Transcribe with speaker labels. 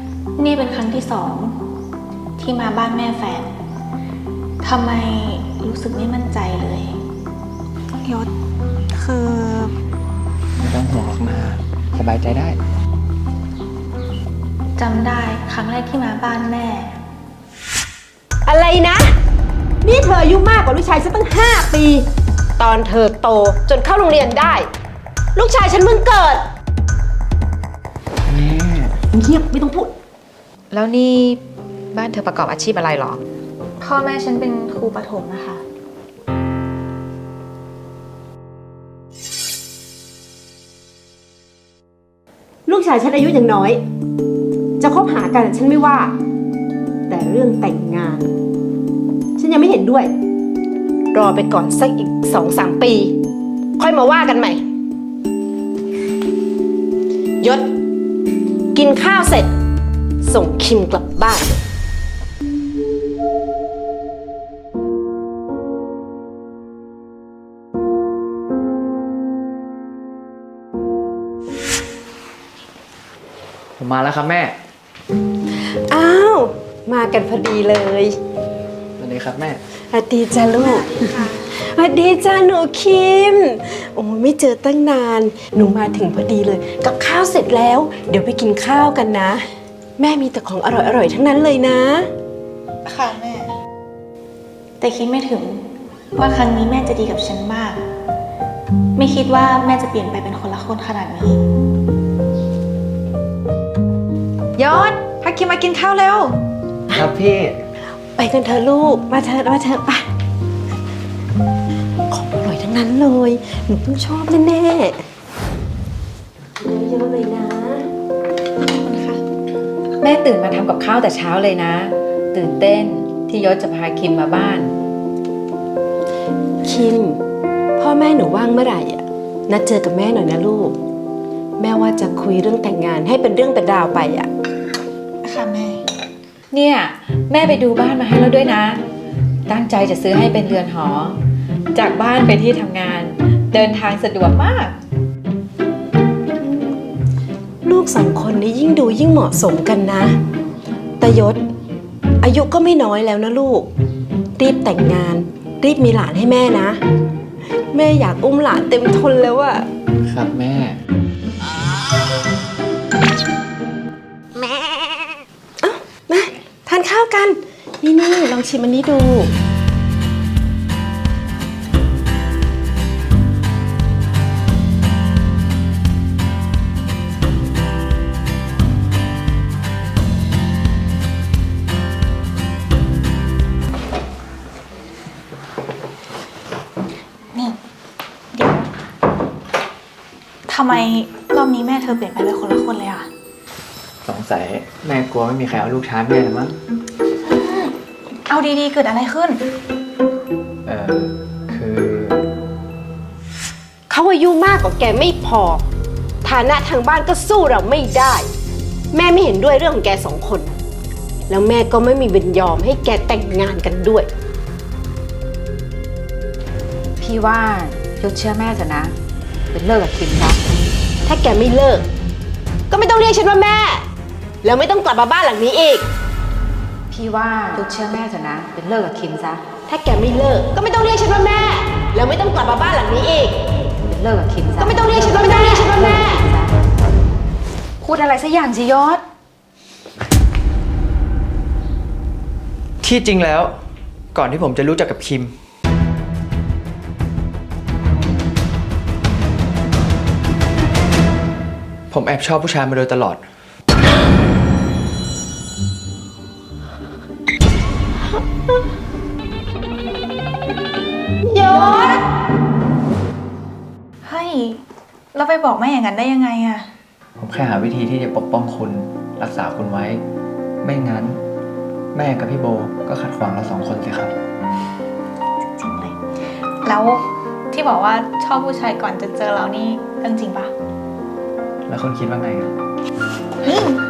Speaker 1: นี่เป็นครั้งที่2ที่มาบ้านแม่แฟนทำไมรู้สึกไม่มั่นใจเลย
Speaker 2: ยศคือ
Speaker 3: ไม่ต้องห่วงหรอกนาสบายใจได้
Speaker 1: จำได้ครั้งแรกที่มาบ้านแม่
Speaker 4: อะไรนะ นี่เธออายุมากกว่าลูกชายฉันตั้ง5 ปี ตอนเธอโตจนเข้าโรงเรียนได้ ลูกชายฉันเพิ่งเกิด
Speaker 3: แม่
Speaker 4: เงียบไม่ต้องพูด
Speaker 2: แล้วนี่บ้านเธอประกอบอาชีพอะไรหรอ
Speaker 1: พ่อแม่ฉันเป็นครูประถมนะคะ
Speaker 4: ลูกชายฉันอายุยังน้อย จะคบหากันฉันไม่ว่า แต่เรื่องแต่งงาน ฉันยังไม่เห็นด้วย รอไปก่อนสักอีก2-3 ปี ค่อยมาว่ากันใหม่ยศกินข้าวเสร็จ ส่งคิมกลับบ้าน
Speaker 3: ผมมาแล้วครับแม่
Speaker 4: อ้าวมากันพอดีเลย
Speaker 3: สวัสดีครับแม่
Speaker 4: สวัสดีจ้าลูกสวัสดีจ้าหนูคิมโอ้ไม่เจอตั้งนานหนูมาถึงพอดีเลยกับข้าวเสร็จแล้วเดี๋ยวไปกินข้าวกันนะแม่มีแต่ของอร่อยๆทั้งนั้นเลยนะ
Speaker 1: ค่ะแม่แต่คิดไม่ถึงว่าครั้งนี้แม่จะดีกับฉันมากไม่คิดว่าแม่จะเปลี่ยนไปเป็นคนละคนขนาดนี้
Speaker 2: ยศพาคิมมากินข้าวเร็ว
Speaker 3: ครับพี่
Speaker 4: ไปกันเถอะลูกมาเถอะไปของอร่อยทั้งนั้นเลยหนูต้องชอบแน่ๆเยอะๆเลยนะ
Speaker 1: ขอบคุณค่ะ
Speaker 2: แม่ตื่นมาทำกับข้าวแต่เช้าเลยนะตื่นเต้นที่ยศจะพาคิมมาบ้าน
Speaker 4: คิมพ่อแม่หนูว่างเมื่อไหร่อ่ะนัดเจอกับแม่หน่อยนะลูกแม่ว่าจะคุยเรื่องแต่งงานให้เป็นเรื่องเป็นราวไปอ่ะ
Speaker 1: ค่ะแม่
Speaker 2: เนี่ยแม่ไปดูบ้านมาให้แล้วด้วยนะตั้งใจจะซื้อให้เป็นเรือนหอจากบ้านไปที่ทำงานเดินทางสะดวกมาก
Speaker 4: ลูก2 คนนี้ยิ่งดูยิ่งเหมาะสมกันนะแต่ยศอายุก็ไม่น้อยแล้วนะลูกรีบแต่งงานรีบมีหลานให้แม่นะแม่อยากอุ้มหลานเต็มทนแล้วอะ
Speaker 3: ครับแม่
Speaker 4: มาทานข้าวกันนี่ลองชิมอันนี้ดู
Speaker 1: นี่เดี๋ยวทำไมรอบนี้แม่เธอเปลี่ยนไปเป็นคนละคนเลยอ่ะ
Speaker 3: สงสัยแม่กลัวไม่มีใครเอาลูกช้าแม่หรือมั้ง
Speaker 1: เอาดีๆเกิดอะไรขึ้น
Speaker 3: คือ
Speaker 4: เขาอายุมากกว่าแกไม่พอฐานะทางบ้านก็สู้เราไม่ได้แม่ไม่เห็นด้วยเรื่องของแก2 คนแล้วแม่ก็ไม่มีวันยอมให้แกแต่งงานกันด้วย
Speaker 2: พี่ว่ายศเชื่อแม่เถอะนะเป็นเลิกกับคิมซะ
Speaker 4: ถ้าแกไม่เลิกก็ไม่ต้องเรียกฉันว่าแม่แล้วไม่ต้องกลับมาบ้านหลังนี้อีก
Speaker 2: พี่ว่ายศเชื่อแม่เถอะนะเป็นเลิกกับคิมซะ
Speaker 4: ถ้าแกไม่เลิกก็ไม่ต้องเรียกฉันว่าแม่แล้วไม่ต้องกลับมาบ้านหลังนี้อีก
Speaker 2: เป็นเลิกกับคิมซะ
Speaker 4: ก็ไม่ต้องเรียกฉันว่าแม่
Speaker 2: พูดอะไรสักอย่างสิยศ
Speaker 3: ที่จริงแล้วก่อนที่ผมจะรู้จักกับคิมผมแอบชอบผู้ชายมาโดยตลอด
Speaker 4: ยศ
Speaker 1: เฮ้ยเราไปบอกแม่อย่างนั้นได้ยังไงอะ
Speaker 3: ผมแค่หาวิธีที่จะปกป้องคุณรักษาคุณไว้ไม่งั้นแม่กับพี่โบก็ขัดขวางเรา2 คนสิครับ
Speaker 1: จริงเลยแล้วที่บอกว่าชอบผู้ชายก่อนจะเจอเรานี่เรื่องจริงปะ
Speaker 3: แล้วคุณคิดว่าไง
Speaker 1: เฮ้ย